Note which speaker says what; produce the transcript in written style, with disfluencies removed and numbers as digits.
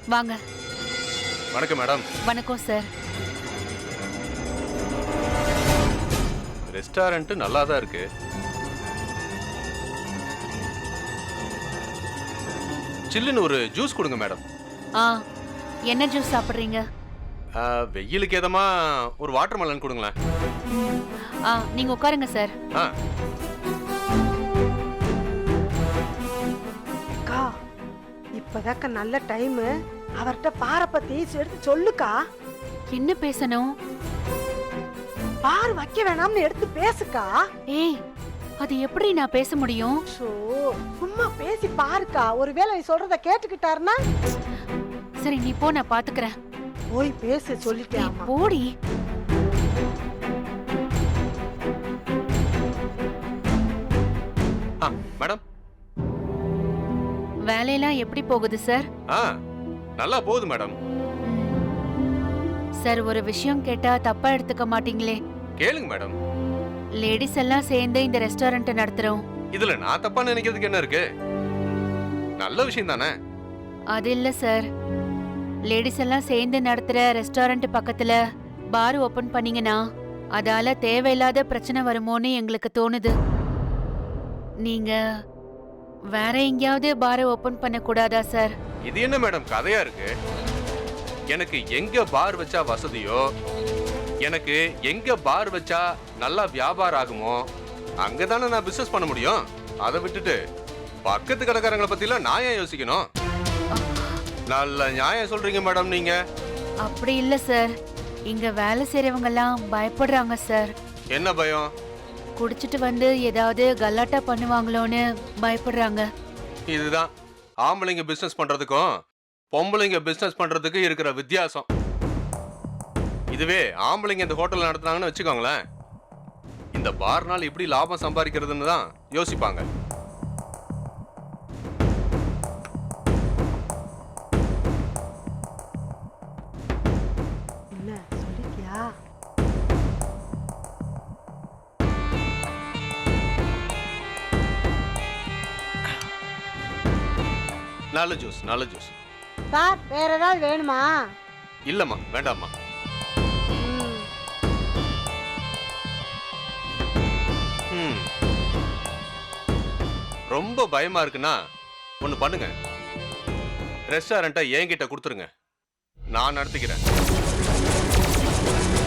Speaker 1: வாங்க.
Speaker 2: வணக்கம் மேடம்.
Speaker 1: வணக்கம் சார்.
Speaker 2: ரெஸ்டாரண்ட் நல்லா தான் இருக்கு. சில்லுன்னு ஒரு ஜூஸ் கொடுங்க மேடம்.
Speaker 1: ஆ, என்ன ஜூஸ் சாப்பிட்றீங்க?
Speaker 2: வெயிலுக்கு ஏதமா ஒரு வாட்டர் மெலன் கொடுங்களேன்.
Speaker 1: நீங்க உட்காருங்க சார்.
Speaker 3: அக்கா, இப்பதாக்க நல்ல டைம். அவர்கிட்ட பார பத்தி எடுத்து சொல்லுக்கா.
Speaker 1: என்ன பேசணும்?
Speaker 3: பார் வைக்க வேணாம்னு எடுத்து பேசுக்கா.
Speaker 1: ஏய், அது எப்படி நான் பேச முடியும்?
Speaker 3: சும்மா பேசி பாருக்கா. ஒருவேளை நீ சொல்றத கேட்டுக்கிட்டாருன்னா?
Speaker 1: சரி, நீ போ, நான் பாத்துக்கிறேன்.
Speaker 3: போய் பேச சொல்லிட்டேன்.
Speaker 1: போடி.
Speaker 2: மேடம்,
Speaker 1: வேலையெல்லாம் எப்படி போகுது சார்?
Speaker 2: நல்லா போகுது மேடம்.
Speaker 1: சார், ஒரு விஷயம் கேட்டா தப்பா எடுத்துக்க மாட்டீங்களே?
Speaker 2: கேளுங்க மேடம்.
Speaker 1: லேடிஸ் எல்லாம் சேர்ந்து இந்த ரெஸ்டாரண்ட் நடத்துறோம்.
Speaker 2: இதுல நான் தப்பா நினைக்கிறதுக்கு என்ன இருக்கு? நல்ல விஷயம் தானே.
Speaker 1: அது இல்ல சார், லேடிஸ் எல்லாம் சேர்ந்து நடத்துற ரெஸ்டாரண்ட் பக்கத்துல பார் ஓபன் பண்ணீங்கன்னா அதால தேவையில்லாத பிரச்சனை வருமோன்னு எங்களுக்கு தோணுது. நீங்க வேற எங்கேயாவது பாரை ஓபன் பண்ண கூடாதா சார்?
Speaker 2: இது என்ன மேடம் கதையா இருக்கு? எனக்கு எங்க பார் வச்சா வசதியோ, எனக்கு எங்க பார் வச்சா நல்லா வியாபாரம் ஆகுமோ அங்கதானே நான் பிசினஸ் பண்ண முடியும். அதை விட்டுட்டு பக்கத்து கடைக்காரங்களை பத்திலாம் நான் ஏன் யோசிக்கணும்? நல்ல நியாயம் சொல்றீங்க மேடம் நீங்க.
Speaker 1: அப்படி இல்ல சார், இங்க வேலை செய்யறவங்க எல்லாம் பயப்படுறாங்க சார்.
Speaker 2: என்ன பயம்?
Speaker 1: குடிச்சிட்டு வந்து ஏதாவது கலாட்டா பண்ணுவாங்களோன்னு பயப்படுறாங்க.
Speaker 2: இதுதான் ஆம்பளைங்க பிசினஸ் பண்றதுக்கும் பொம்பளைங்க பிசினஸ் பண்றதுக்கு இருக்கிற வித்தியாசம். இதுவே ஆம்பளைங்க இந்த ஹோட்டல் நடத்துனாங்கன்னு வச்சுக்கோங்களேன், இந்த பார்னால் எப்படி லாபம் சம்பாதிக்கிறதுன்னு தான் யோசிப்பாங்க.
Speaker 3: என்ன சொல்லிட்டியா?
Speaker 2: நல்ல ஜூஸ், நல்ல ஜூஸ்.
Speaker 3: சார், வேற ஏதாவது வேணுமா?
Speaker 2: இல்லம்மா, வேண்டாம்மா. ரொம்ப பயமா இருக்குன்னா ஒண்ணு பண்ணுங்க, ரெஸ்டாரண்ட்டை என்கிட்ட கொடுத்துருங்க, நான் நடத்திக்கிறேன்.